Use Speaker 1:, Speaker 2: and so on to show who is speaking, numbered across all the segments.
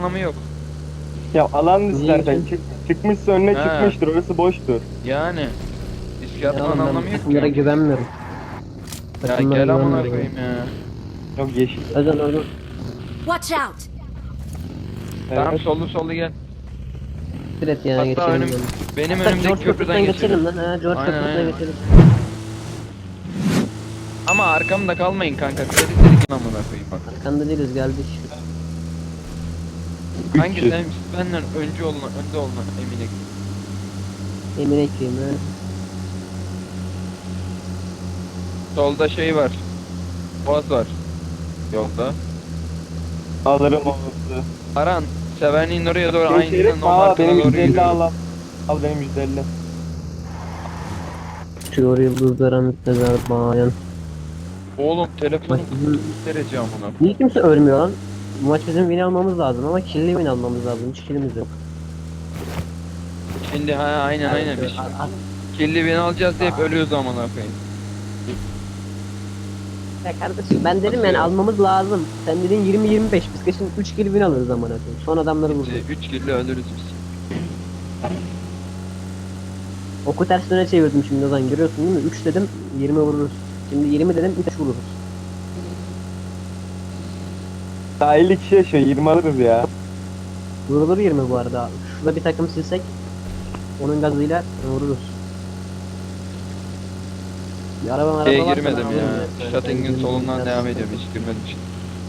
Speaker 1: anlamı yok.
Speaker 2: Ya alan
Speaker 3: Niye
Speaker 2: zaten
Speaker 3: ki?
Speaker 2: çıkmışsa önüne
Speaker 1: Ha.
Speaker 2: çıkmıştır. Orası boştur.
Speaker 1: Yani. Riske
Speaker 3: Ya
Speaker 1: atmanın
Speaker 3: oğlum ben
Speaker 1: anlamı
Speaker 3: bu
Speaker 1: yok
Speaker 3: takımlara
Speaker 1: ki.
Speaker 3: güvenmiyorum.
Speaker 1: Ya
Speaker 3: Takımlara
Speaker 1: gel amına
Speaker 3: güvenmiyorum.
Speaker 1: koyayım ya.
Speaker 2: Yok yeşil.
Speaker 3: Özel oradan.
Speaker 4: Watch out!
Speaker 1: Tamam
Speaker 2: Evet.
Speaker 1: sollu gel.
Speaker 3: Direkt ya
Speaker 1: Hatta
Speaker 3: geçelim.
Speaker 1: önüm,
Speaker 3: yani.
Speaker 1: benim
Speaker 3: Hatta
Speaker 1: önümdeki
Speaker 3: George
Speaker 1: köprüden
Speaker 3: Köprü'den geçelim
Speaker 1: geçelim.
Speaker 3: lan. Ha, George
Speaker 1: Aynen,
Speaker 3: Köprü'den
Speaker 1: aynen.
Speaker 3: geçelim.
Speaker 1: Ama arkamda kalmayın kanka. Seri gel amına koyayım bak.
Speaker 3: Arkanda değiliz geldik.
Speaker 1: Hangi
Speaker 2: 300.
Speaker 1: sen benden önce olma, önde olma eminim.
Speaker 3: Emin ekleyeyim ha.
Speaker 1: Solda şey var. Boğaz var. Yolda.
Speaker 2: Alırım olası.
Speaker 1: Aran, Severni'nin oraya doğru
Speaker 2: Geçelim.
Speaker 1: aynı no
Speaker 2: Aa
Speaker 1: markana
Speaker 2: benim
Speaker 1: doğru
Speaker 2: 150
Speaker 1: yürüyorum.
Speaker 2: al benim 150.
Speaker 3: Uçuyor yıldızlara müptezel bayan.
Speaker 1: Oğlum telefonum
Speaker 3: Bak bizim-
Speaker 1: derece amına.
Speaker 3: Niye kimse ölmüyor lan? Bu maç bizim win almamız lazım ama kill'li win almamız lazım. Hiç kill'imiz yok.
Speaker 1: Şimdi ha aynen biz kirli beni alacağız deyip ölüyoruz amına koyayım.
Speaker 3: Ya kardeşim ben dedim yani almamız lazım. Sen dedin 20-25. Biz kesin 3 kill win alırız amına koyayım. Son adamları vurdu.
Speaker 1: 3 kirli ölürüz biz.
Speaker 3: Oku ters döne çevirdim şimdi Ozan görüyorsun değil mi? 3 dedim 20 vururuz. Şimdi 20 dedim 3 vururuz.
Speaker 2: Daha 50 kişi yaşıyor. 20 alırız ya.
Speaker 3: Vurulur 20 bu arada. Şurada bir takım silsek onun gazıyla vururuz. Bir araba
Speaker 1: Şeye
Speaker 3: varsa
Speaker 1: girmedim
Speaker 3: ben
Speaker 1: ya.
Speaker 3: alırım
Speaker 1: Shutting'in solundan devam ediyorum hiç girmedim işte.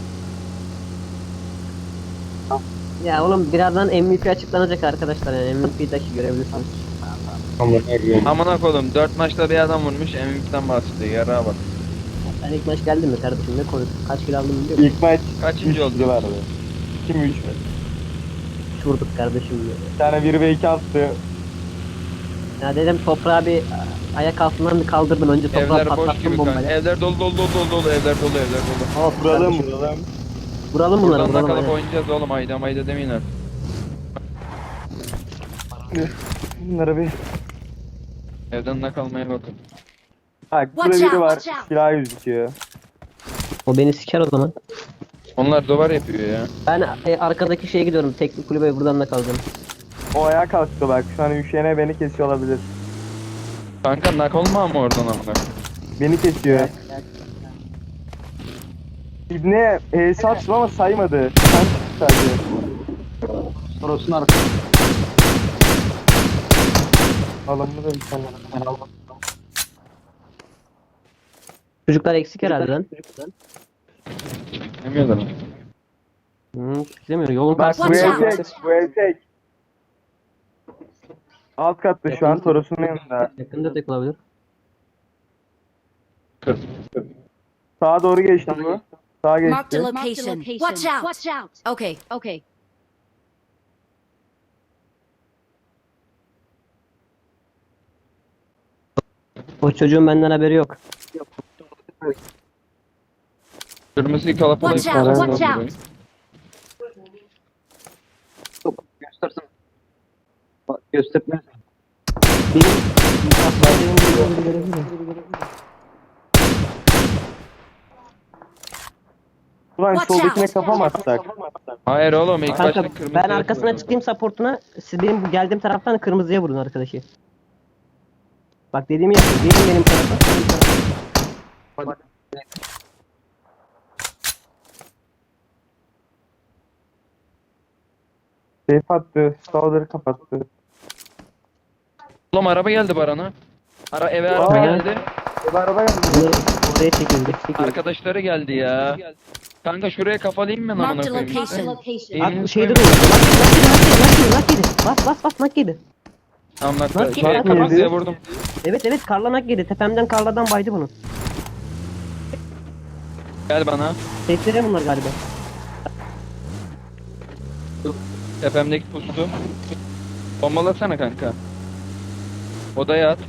Speaker 3: Ya oğlum birazdan MVP açıklanacak arkadaşlar yani MVP'deki görebilirsiniz.
Speaker 1: Amına koydum 4 maçta bir adam vurmuş MVP'den bahsediyor yarağa bak.
Speaker 3: Sen ilk maç geldin mi kardeşim ne konuş? Kaç kill aldın biliyor musun?
Speaker 2: İlk maç
Speaker 1: Kaçıncı
Speaker 2: 3
Speaker 1: oldu?
Speaker 2: vardı. Kim 3 mü?
Speaker 3: 3 vurduk kardeşim diyor.
Speaker 2: Bir tane 1 ve 2 attı.
Speaker 3: Ya dedim toprağı bir ayak altından bir kaldırdım önce toprağı
Speaker 1: Evler boş
Speaker 3: patlattım
Speaker 1: gibi kanka.
Speaker 3: bombayla.
Speaker 1: Evler dolu evler dolu.
Speaker 3: Hop
Speaker 2: Vuralım
Speaker 3: kardeşim.
Speaker 2: vuralım.
Speaker 3: Vuralım bunları
Speaker 1: Buradan da
Speaker 3: vuralım.
Speaker 1: kalıp
Speaker 3: aynen.
Speaker 1: oynayacağız oğlum ayda demeyin artık.
Speaker 2: Bunlara bir...
Speaker 1: Evden de kalmaya bakın.
Speaker 2: Bak burada
Speaker 4: Watch
Speaker 2: biri
Speaker 4: out,
Speaker 2: var.
Speaker 4: watch out.
Speaker 2: Silah gözüküyor.
Speaker 3: O beni siker o zaman.
Speaker 1: Onlar duvar yapıyor ya.
Speaker 3: Ben arkadaki şeye gidiyorum. Teknik kulübe buradan da kalacağım.
Speaker 2: O ayağa kalktı bak. Şu an üşüyene beni kesiyor olabilir.
Speaker 1: Kanka nak olma ama oradan amına.
Speaker 2: Beni kesiyor. İbne saçma ama saymadı. Sen çıktı sadece.
Speaker 5: Toros'un arkası.
Speaker 2: Alımlı da bir tane.
Speaker 3: Çocuklar eksik herhalde lan.
Speaker 1: Demiyorlar mı?
Speaker 3: Demiyor. Yolun
Speaker 2: Bak bu
Speaker 3: karşısında.
Speaker 4: Watch
Speaker 2: ev
Speaker 4: out.
Speaker 2: tek. Bu ev tek. Alt katta şu an Toros'un yanında.
Speaker 3: Yakında tek olabilir.
Speaker 1: Kır.
Speaker 2: Sağa doğru geçti bu. Sağa
Speaker 4: Marked a
Speaker 2: geçti.
Speaker 4: location. Watch out! Watch out! Okay. Okay.
Speaker 3: O çocuğun benden haberi yok.
Speaker 1: Kırmızıyı kalapalayıp
Speaker 4: Watch out,
Speaker 1: kalapalayıp
Speaker 4: watch
Speaker 1: burayı.
Speaker 5: Göstersin. Bak göstermez.
Speaker 3: Benim benim bir görevi mi?
Speaker 2: Ulan
Speaker 4: Watch
Speaker 2: soldakine
Speaker 4: out.
Speaker 2: kafa mı atsak?
Speaker 1: Hayır oğlum ilk
Speaker 3: Kanka
Speaker 1: başta kırmızı
Speaker 3: ben arkasına çıkayım supportuna. Siz benim bu geldiğim taraftan kırmızıya vurun arkadaşı. Bak dediğimi yapın. Gelin benim tarafa. Benim tarafa.
Speaker 2: Safe attı. Sağları kapattı.
Speaker 1: Oğlum araba geldi Baran'a. Eve araba
Speaker 2: Aa.
Speaker 1: geldi.
Speaker 2: Bu araba geldi.
Speaker 3: Bunları oraya çekildi.
Speaker 1: Arkadaşları geldi ya. Kanka şuraya kafalayayım mı amına
Speaker 4: Marked a
Speaker 1: koyayım?
Speaker 4: location.
Speaker 3: Bak
Speaker 1: Eğilin
Speaker 3: bu şeyde
Speaker 1: koyun.
Speaker 3: duruyor. Nak yedi. Bas nak yedi.
Speaker 1: Tamam
Speaker 3: Nak
Speaker 1: nak.
Speaker 3: yedi.
Speaker 1: Kırmızıya vurdum.
Speaker 3: Evet karlanak yedi. Tepemden karladan baydı bunu.
Speaker 1: Gel bana.
Speaker 3: Teklere bunlar galiba.
Speaker 1: Tepemdeki pustu. Bombalasana kanka. Odaya at.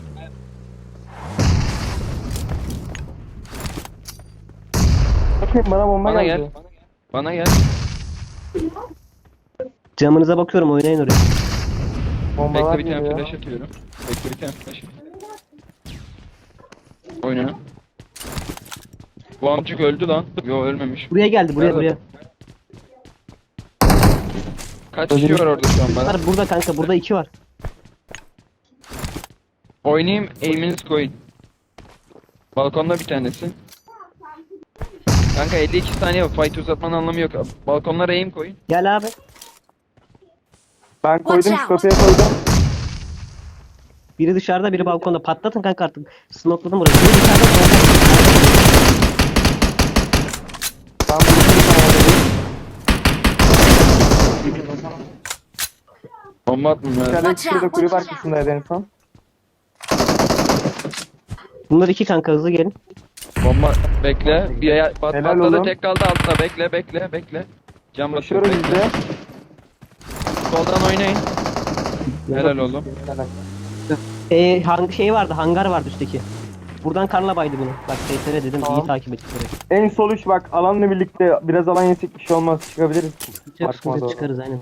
Speaker 2: Bakayım bana bomba
Speaker 1: Bana
Speaker 2: geldi.
Speaker 1: gel. Bana gel.
Speaker 3: Camınıza bakıyorum oynayın oraya.
Speaker 2: Bombalar
Speaker 1: Bekle bir tane
Speaker 2: geliyor.
Speaker 1: flash atıyorum. Bekle bir tane flash. Oyna. Bu amcık öldü lan. Yo ölmemiş.
Speaker 3: Buraya geldi buraya
Speaker 1: Nerede?
Speaker 3: buraya.
Speaker 1: Kaç kişi var orada şu an bana?
Speaker 3: Var burada kanka, burada 2 var.
Speaker 1: Oynayayım, aim'inizi koyun. Balkonda bir tanesi. Kanka 52 saniye var. Fight uzatmanın anlamı yok. Balkonlara aim koyun.
Speaker 3: Gel abi.
Speaker 2: Ben koydum,
Speaker 4: Watch
Speaker 2: şu
Speaker 4: out.
Speaker 2: kapıya koydum.
Speaker 3: Biri dışarıda, biri balkonda. Patlatın kanka artık. Smokladım burayı. Biri dışarıda, solda.
Speaker 2: Ben bunu
Speaker 1: Bomba attım ya.
Speaker 2: İçeride
Speaker 4: Watch
Speaker 2: şurada
Speaker 4: out,
Speaker 2: kulüp
Speaker 4: watch out.
Speaker 2: arkasındaydı en son.
Speaker 3: Bunlar 2 kanka, hızlı gelin.
Speaker 1: Bomba bekle. Bir
Speaker 2: Helal
Speaker 1: patladı,
Speaker 2: oğlum.
Speaker 1: tek kaldı altta. Bekle. Cam basıyor.
Speaker 2: Koşuyoruz biz
Speaker 1: Bekle.
Speaker 2: de.
Speaker 1: Soldan oynayın. Helal oğlum.
Speaker 3: Şey vardı, hangar vardı üstteki. Buradan karla baydı bunu. Bak TSR dedim,
Speaker 2: Tamam.
Speaker 3: iyi takip ettik burayı.
Speaker 2: En sol üç bak, alanla birlikte biraz alan yesek bir şey olmaz, çıkabiliriz.
Speaker 3: Çok
Speaker 2: Bakma
Speaker 3: sıkıntı
Speaker 2: doğru.
Speaker 3: çıkarız aynen.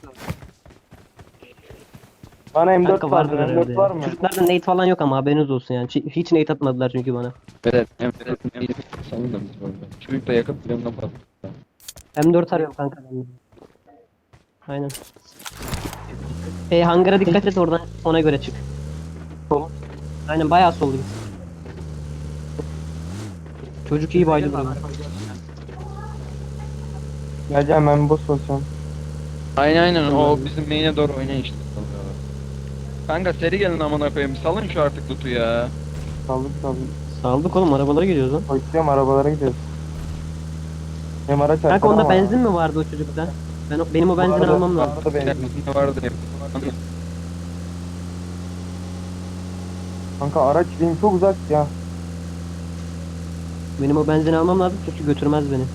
Speaker 2: Bana M4
Speaker 3: Kanka
Speaker 2: var,
Speaker 3: vardır
Speaker 2: M4
Speaker 3: herhalde.
Speaker 2: var
Speaker 3: Ya.
Speaker 2: mı?
Speaker 3: Çocuklarda nade falan yok ama haberiniz olsun yani. Hiç nade atmadılar çünkü bana.
Speaker 1: Evet. Sanırım da biz orada. Çocuk da yakıp yanına patladı.
Speaker 3: M4 arıyorum kanka ben. Aynen. Hangara dikkat et, oradan ona göre çık.
Speaker 2: Sol.
Speaker 3: Aynen bayağı soldu git. Çocuk iyi baydı buraya.
Speaker 2: Geleceğim ben boss olacağım.
Speaker 1: Aynen o bizim main'e doğru oynayın işte. Kanka seri gelin amına koyayım. Salın şu artık loot'u ya.
Speaker 2: Saldık.
Speaker 3: Saldık oğlum, arabalara gidiyoruz lan.
Speaker 2: Koşuyorum, arabalara gidiyoruz. Hem araç
Speaker 3: Kanka
Speaker 2: arkada
Speaker 3: onda
Speaker 2: ama-
Speaker 3: benzin mi vardı o çocukta? Benim o benzini
Speaker 2: Vardı,
Speaker 3: almam lazım.
Speaker 2: vardı benzin.
Speaker 1: Ne vardı hep.
Speaker 2: Kanka araç benim çok uzak ya.
Speaker 3: Benim o benzini almam lazım çünkü götürmez beni.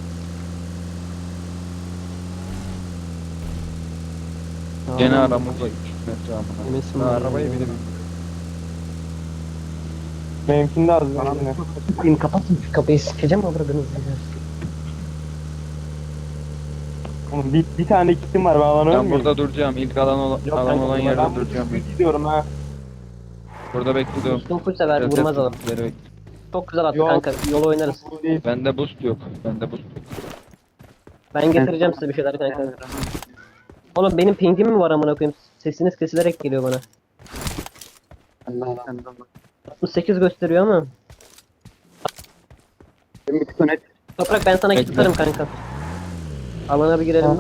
Speaker 1: Gene
Speaker 3: Tamam.
Speaker 1: aramızda 3 metre amına.
Speaker 3: Eminsin
Speaker 1: Ben
Speaker 3: mi?
Speaker 1: arabayı bile
Speaker 2: Benimkinde az benzin.
Speaker 3: Benim kapatın şu kapıyı, sikeceğim mi bırakınız?
Speaker 2: Oğlum bir tane kitim var, ben alanıyorum.
Speaker 1: Ben burada duracağım. İlk alan olan yerde
Speaker 2: ben
Speaker 1: duracağım.
Speaker 2: burada gidiyorum ha.
Speaker 1: Burada bekliyorum.
Speaker 3: Dostum full sever, vurmaz adam. Çok güzel attı
Speaker 2: Yok.
Speaker 3: kanka, yolu oynarız.
Speaker 2: Bu değil.
Speaker 1: Bende boost yok.
Speaker 3: Ben getireceğim size bir şeyler kanka. Oğlum benim pingim mi var amına koyayım? Sesiniz kesilerek geliyor bana. 68 gösteriyor ama.
Speaker 5: Bir tık öne.
Speaker 3: Toprak ben sana
Speaker 1: Bekle.
Speaker 3: kit tutarım kanka. Alana bir girelim.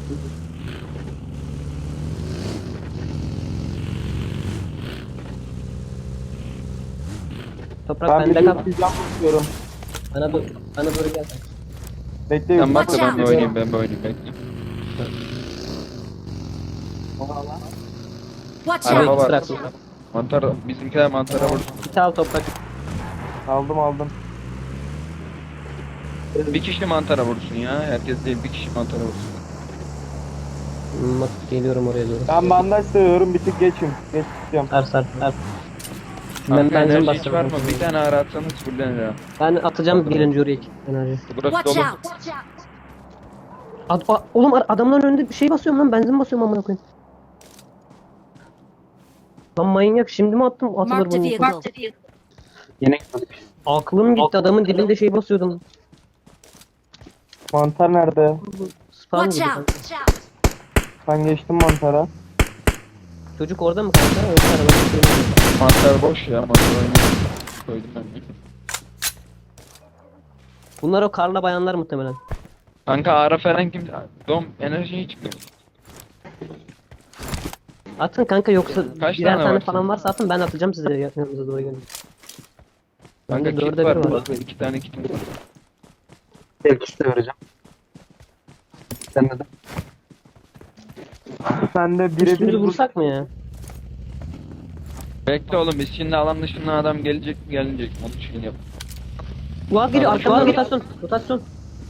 Speaker 3: Toprak
Speaker 2: Ben
Speaker 3: bende
Speaker 2: bir
Speaker 3: kal.
Speaker 2: cam tutuyorum.
Speaker 3: Bana doğru gel.
Speaker 2: Bekle.
Speaker 1: Sen bak da
Speaker 4: Watch
Speaker 1: ben bir
Speaker 4: out.
Speaker 1: oynayayım. Bekle.
Speaker 4: Watch
Speaker 1: Araba
Speaker 4: out!
Speaker 1: var.
Speaker 3: Bırak.
Speaker 1: Mantar, bizimkiler mantara vursun.
Speaker 3: Kit al toprak.
Speaker 2: Aldım.
Speaker 1: Bir kişi mantara vursun ya. Herkes değil, bir kişi mantara vursun.
Speaker 3: Bak geliyorum oraya doğru.
Speaker 2: Ben bandaj seviyorum, bir tık geçim. Geç tutacağım.
Speaker 3: Sar. Ben
Speaker 1: Kanka
Speaker 3: benzin
Speaker 1: enerji hiç var
Speaker 3: bastırdım.
Speaker 1: mı? Bir tane ara atsanız fullenir ha.
Speaker 3: Ben atacağım birinci oraya enerji.
Speaker 1: Burası
Speaker 4: Watch
Speaker 1: dolu.
Speaker 4: out!
Speaker 3: Oğlum adamların önünde bir şey basıyorum lan, benzin basıyorum amına koyayım. Lan manyak, şimdi mi attım atılır
Speaker 4: Marked a
Speaker 3: bunun.
Speaker 4: vehicle.
Speaker 5: Yine gitmedik.
Speaker 3: Aklım gitti, adamın dibinde şey basıyordum.
Speaker 2: Mantar nerede?
Speaker 3: Spam
Speaker 4: Watch
Speaker 3: gibi
Speaker 4: out!
Speaker 3: kanka.
Speaker 2: Ben geçtim mantara.
Speaker 3: Çocuk orada mı kanka? Yoksa arabada bir şey mi?
Speaker 1: Mantar boş ya. Mantar oynuyor. Koydum ben de.
Speaker 3: Bunlar o karla bayanlar muhtemelen.
Speaker 1: Kanka ara falan kim? Dom enerji hiç çıkıyor.
Speaker 3: Atın kanka, yoksa
Speaker 1: Kaç
Speaker 3: birer
Speaker 1: tane
Speaker 3: tane
Speaker 1: var
Speaker 3: falan varsa atın, ben atacağım size yanınıza doğru gelin.
Speaker 1: Kanka
Speaker 3: Bende
Speaker 1: kit
Speaker 3: dörde
Speaker 1: var.
Speaker 3: bir var.
Speaker 1: Burada 2 tane kitim var.
Speaker 5: Belki de vereceğim. Sen de.
Speaker 2: Sen de
Speaker 3: Üstümüzü
Speaker 2: birebir
Speaker 3: vursak mı ya?
Speaker 1: Bekle oğlum, biz şimdi alan dışından adam gelecek mi gelmeyecek mi? Onu şeyini yap.
Speaker 3: Ulan geliyor arkamda, rotasyon.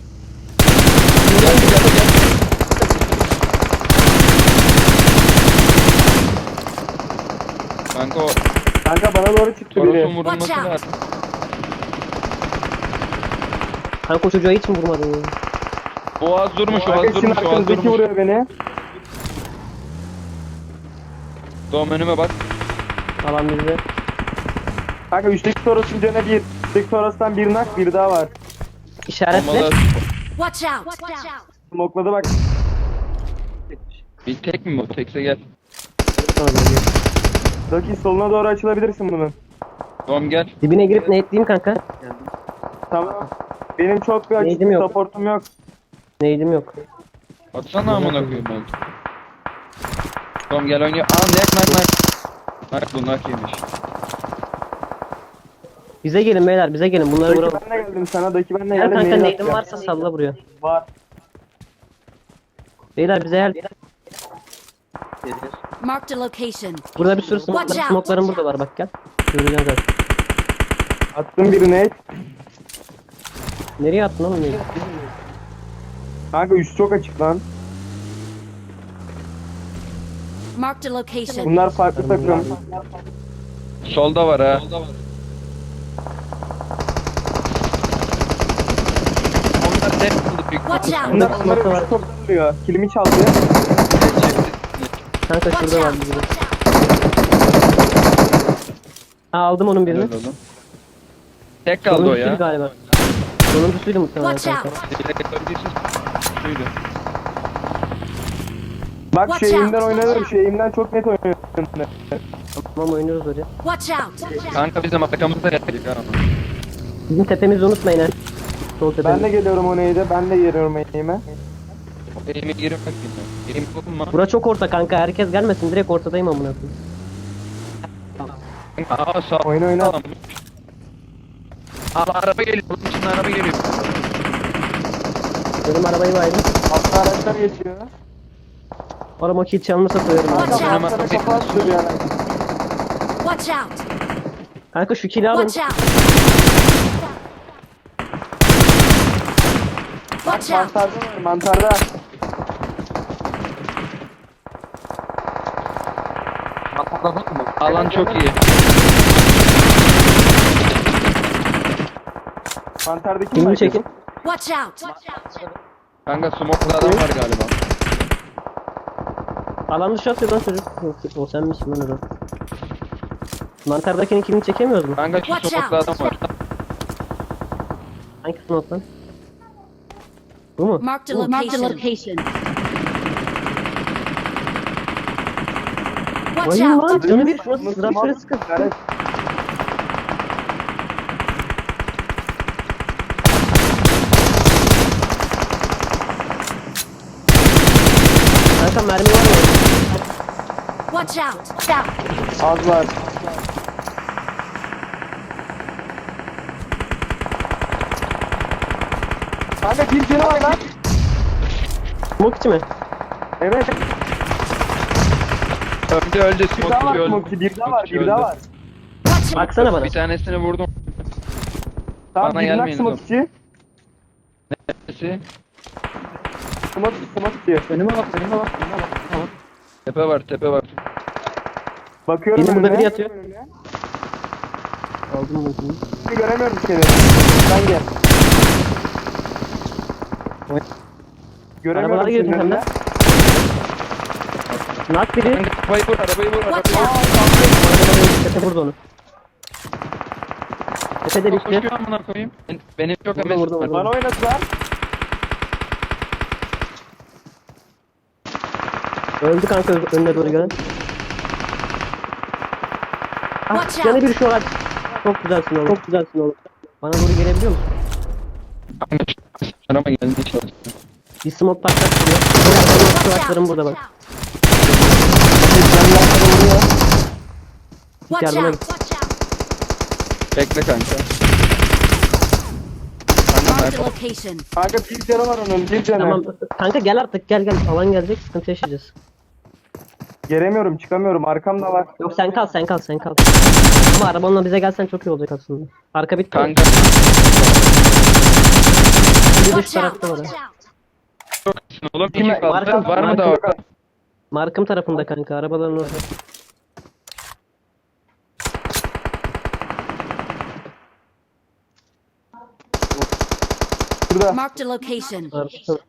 Speaker 1: Kanka o
Speaker 2: Kanka bana doğru çıktı
Speaker 1: Toros'un
Speaker 2: biri.
Speaker 1: vurulması
Speaker 4: Watch out.
Speaker 1: lazım.
Speaker 3: Kanka o çocuğa hiç mi vurmadın ya?
Speaker 1: Boğaz durmuş,
Speaker 2: Kanka
Speaker 1: Boğaz
Speaker 2: sizin
Speaker 1: durmuş, Boğaz
Speaker 2: arkanızdaki
Speaker 1: durmuş.
Speaker 2: vuruyor beni.
Speaker 1: Dom önüme bak.
Speaker 3: Alan bizde.
Speaker 2: Kanka üstteki Toros'un canı bir. Üstteki Toros'tan bir nak, bir daha var.
Speaker 3: İşaretle.
Speaker 1: Bombalar.
Speaker 4: Watch out!
Speaker 2: Smokladı bak.
Speaker 1: Bir tek mi bu? Tekse gel.
Speaker 3: Sonra geliyor.
Speaker 2: Daki soluna doğru açılabilirsin bunun.
Speaker 1: Tom gel.
Speaker 3: Dibine girip ne etleyeyim kanka?
Speaker 2: Tamam. Benim çok bir
Speaker 3: Neydim
Speaker 2: açık
Speaker 3: yok.
Speaker 2: supportum yok.
Speaker 3: Neydim yok.
Speaker 1: Atsana amına koyayım ben. Tom gel oynuyor. Aa nak. Nak bu nak yemiş.
Speaker 3: Bize gelin beyler, bize gelin. Bunları
Speaker 2: Daki
Speaker 3: vuralım.
Speaker 2: ben de geldim sana. Daki ben de
Speaker 3: Gel
Speaker 2: geldim.
Speaker 3: kanka,
Speaker 2: neyi
Speaker 3: neydim
Speaker 2: atacağım?
Speaker 3: varsa salla buraya.
Speaker 2: Var.
Speaker 3: Beyler bize gel.
Speaker 4: Marked a location.
Speaker 3: Burada bir sürü
Speaker 4: Watch out.
Speaker 3: smoklarım burada var, bak gel. Göreceğim zaten.
Speaker 2: Attım birine.
Speaker 3: Nereye attın oğlum? Neyi?
Speaker 2: Kanka üst çok açık lan.
Speaker 4: Marked a location.
Speaker 2: Bunlar farklı takım.
Speaker 1: Solda var ha. Onlar tek kıldı büyük.
Speaker 4: Watch out.
Speaker 2: Bunlar
Speaker 3: Smoke
Speaker 2: onları
Speaker 3: var.
Speaker 2: üst çok alıyor. Kilimi çaldı.
Speaker 3: Kanka
Speaker 4: Watch
Speaker 3: şurada var
Speaker 4: out.
Speaker 3: bir biri. Aa, aldım onun birini.
Speaker 1: Tek kaldı o
Speaker 3: Sonuncusuydu
Speaker 1: ya.
Speaker 3: galiba. Sonuncusuydu muhtemelen
Speaker 4: Watch
Speaker 3: kanka.
Speaker 4: out.
Speaker 1: Şuydu.
Speaker 2: Bak
Speaker 4: Watch
Speaker 2: şu eğimden
Speaker 4: out.
Speaker 2: oynanırım. Şu eğimden çok net oynuyorum.
Speaker 3: Tamam, oynuyoruz oraya.
Speaker 4: Watch out.
Speaker 1: Kanka bizim arkamızda geldik ha.
Speaker 3: Bizim tepemizi unutmayın ha. Sol tepemiz.
Speaker 2: Ben de geliyorum o neydi. Ben de geliyorum eğime.
Speaker 1: Elime girmek bilmiyorum. Elim dokunma.
Speaker 3: Bura çok orta kanka, herkes gelmesin, direkt ortadayım amına koyayım.
Speaker 1: Aa sağ
Speaker 2: Oyna.
Speaker 1: Al araba geliyor. Bunun için araba geliyor.
Speaker 3: Benim arabayı baydım.
Speaker 2: Altta araçlar geçiyor.
Speaker 3: Arama kill çalmışsa koyarım.
Speaker 4: Watch
Speaker 3: abi.
Speaker 4: out.
Speaker 2: Altta da kafa atıyor bir ara.
Speaker 4: Watch out.
Speaker 3: Kanka şu kill'i alın.
Speaker 4: Watch out. Watch out.
Speaker 2: Mantarda var. Mantarda.
Speaker 1: Alan çok iyi.
Speaker 2: Mantardaki
Speaker 3: Kill'ini
Speaker 2: mi?
Speaker 3: çekin.
Speaker 4: Watch out.
Speaker 1: Kanka smoke'da adam var galiba.
Speaker 3: Alan dışı atıyor lan çocuk. Yok, o sen misin lan adam? Mantardakinin kill'ini çekemiyoruz mu?
Speaker 1: Kanka şu
Speaker 4: Watch
Speaker 1: smoke'da
Speaker 4: out.
Speaker 1: adam var.
Speaker 3: Hangi smoke lan? Bu mu?
Speaker 4: Marked a location. Watch
Speaker 3: Bayım lan.
Speaker 4: out.
Speaker 3: Canı bir şuna sıra şöyle sıkın.
Speaker 2: Evet.
Speaker 3: Kanka mermi var mı?
Speaker 4: Watch out.
Speaker 2: Az var. Kanka bir canı var lan.
Speaker 3: Smoke içi mi?
Speaker 2: Evet.
Speaker 1: Öldü
Speaker 2: Bir daha
Speaker 1: smoke
Speaker 2: var
Speaker 1: öldü.
Speaker 2: Smoky. Bir daha var.
Speaker 1: Smoky
Speaker 2: Bir daha
Speaker 1: öldü.
Speaker 2: var.
Speaker 4: Watch out.
Speaker 3: Baksana bana.
Speaker 1: Bir tanesini vurdum.
Speaker 2: Tamam
Speaker 1: Bana
Speaker 2: bir nak
Speaker 1: gelmeyin oğlum.
Speaker 2: Smoky.
Speaker 1: Nesi?
Speaker 2: Smoky.
Speaker 1: Önüme bak. Tepe var.
Speaker 2: Bakıyorum
Speaker 3: Benim burada
Speaker 2: önüne.
Speaker 3: biri yatıyor. Aldım bunu.
Speaker 2: Şimdi göremiyorum seni. Sen gel. Göremiyorum
Speaker 3: Arabalara
Speaker 2: seni
Speaker 3: girdin sen de.
Speaker 2: önüne.
Speaker 3: Nak biri.
Speaker 1: Kanka arabayı vur.
Speaker 4: Watch
Speaker 1: Arabayı
Speaker 4: out.
Speaker 3: Tepe vurdu onu. Tepede
Speaker 1: vur.
Speaker 3: düştü.
Speaker 1: Koşuyor amına koyayım. Benim çok
Speaker 3: Vurdu,
Speaker 1: emesim
Speaker 3: vurdu,
Speaker 1: var.
Speaker 3: vurdu.
Speaker 2: Bana oynadılar.
Speaker 3: Öldü kanka, önüne doğru gelen. Ah,
Speaker 4: Watch
Speaker 3: canı
Speaker 4: out.
Speaker 3: bir şu an. Çok güzelsin oğlum. Çok güzelsin oğlum. Bana doğru gelebiliyor musun?
Speaker 1: Kanka araba geldi çalıştı.
Speaker 3: Bir smoke patlattım.
Speaker 4: Watch
Speaker 3: Kulaklarım
Speaker 4: out.
Speaker 3: burada bak.
Speaker 4: Watch
Speaker 3: Yardıma
Speaker 4: out.
Speaker 3: git.
Speaker 4: Watch out.
Speaker 1: Bekle kanka.
Speaker 4: Marked a location.
Speaker 2: Kanka bir canı var onun. Bir canı.
Speaker 3: Tamam kanka, gel artık, gel. Alan gelecek, sıkıntı yaşayacağız.
Speaker 2: Gelemiyorum, çıkamıyorum. Arkamda var.
Speaker 3: Yok sen kal. Ama arabanla bize gelsen çok iyi olacak aslında. Arka bitti.
Speaker 1: Kanka
Speaker 3: Bir dış
Speaker 4: Watch out.
Speaker 3: tarafta var.
Speaker 4: Watch
Speaker 3: ha.
Speaker 4: out.
Speaker 1: oğlum
Speaker 2: Kime-
Speaker 1: iki kaldı.
Speaker 3: Markım-
Speaker 1: Var mı daha orada?
Speaker 3: Markım tarafında kanka, arabaların orada.
Speaker 2: Şurada.
Speaker 4: Marked a location.
Speaker 3: Markım.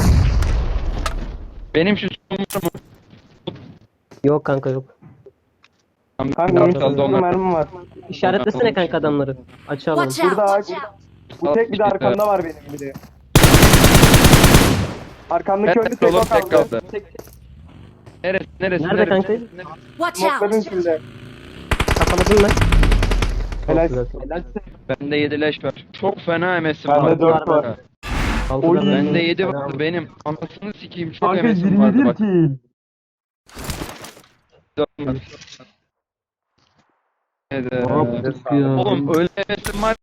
Speaker 1: Benim şu smoke'um
Speaker 3: Yok kanka, yok.
Speaker 2: Kanka onun sırtında mermim var.
Speaker 3: İşaretlesene kanka adamları. Açı alalım.
Speaker 4: Watch out.
Speaker 2: Burada ağaç.
Speaker 4: Watch out.
Speaker 2: Bu tek bir de arkamda var benim bir de. Arkamdaki
Speaker 1: Ben
Speaker 2: önü
Speaker 1: tek
Speaker 2: tek
Speaker 1: oğlum,
Speaker 2: o
Speaker 1: tek
Speaker 2: kaldı.
Speaker 1: kaldı. Neresi?
Speaker 3: Nerede kanka?
Speaker 4: Watch
Speaker 2: Smoke'ların
Speaker 4: out!
Speaker 2: içinde.
Speaker 3: Kafaladım ben.
Speaker 2: Helal.
Speaker 3: Çok güzel.
Speaker 1: Bende 7 leş var. Çok fena MS'im
Speaker 2: Bende
Speaker 1: var.
Speaker 2: 4 var.
Speaker 3: Altıda
Speaker 2: Oy.
Speaker 3: ben-
Speaker 1: Bende 7
Speaker 3: Fena
Speaker 1: vardı
Speaker 3: oldu.
Speaker 1: benim. Anasını sikeyim çok
Speaker 2: Kanka
Speaker 1: MS'im vardı
Speaker 2: 21
Speaker 1: bak.
Speaker 2: kill.
Speaker 1: 4 var.
Speaker 3: Ne yaptık ya?
Speaker 1: Oğlum öyle MS'im var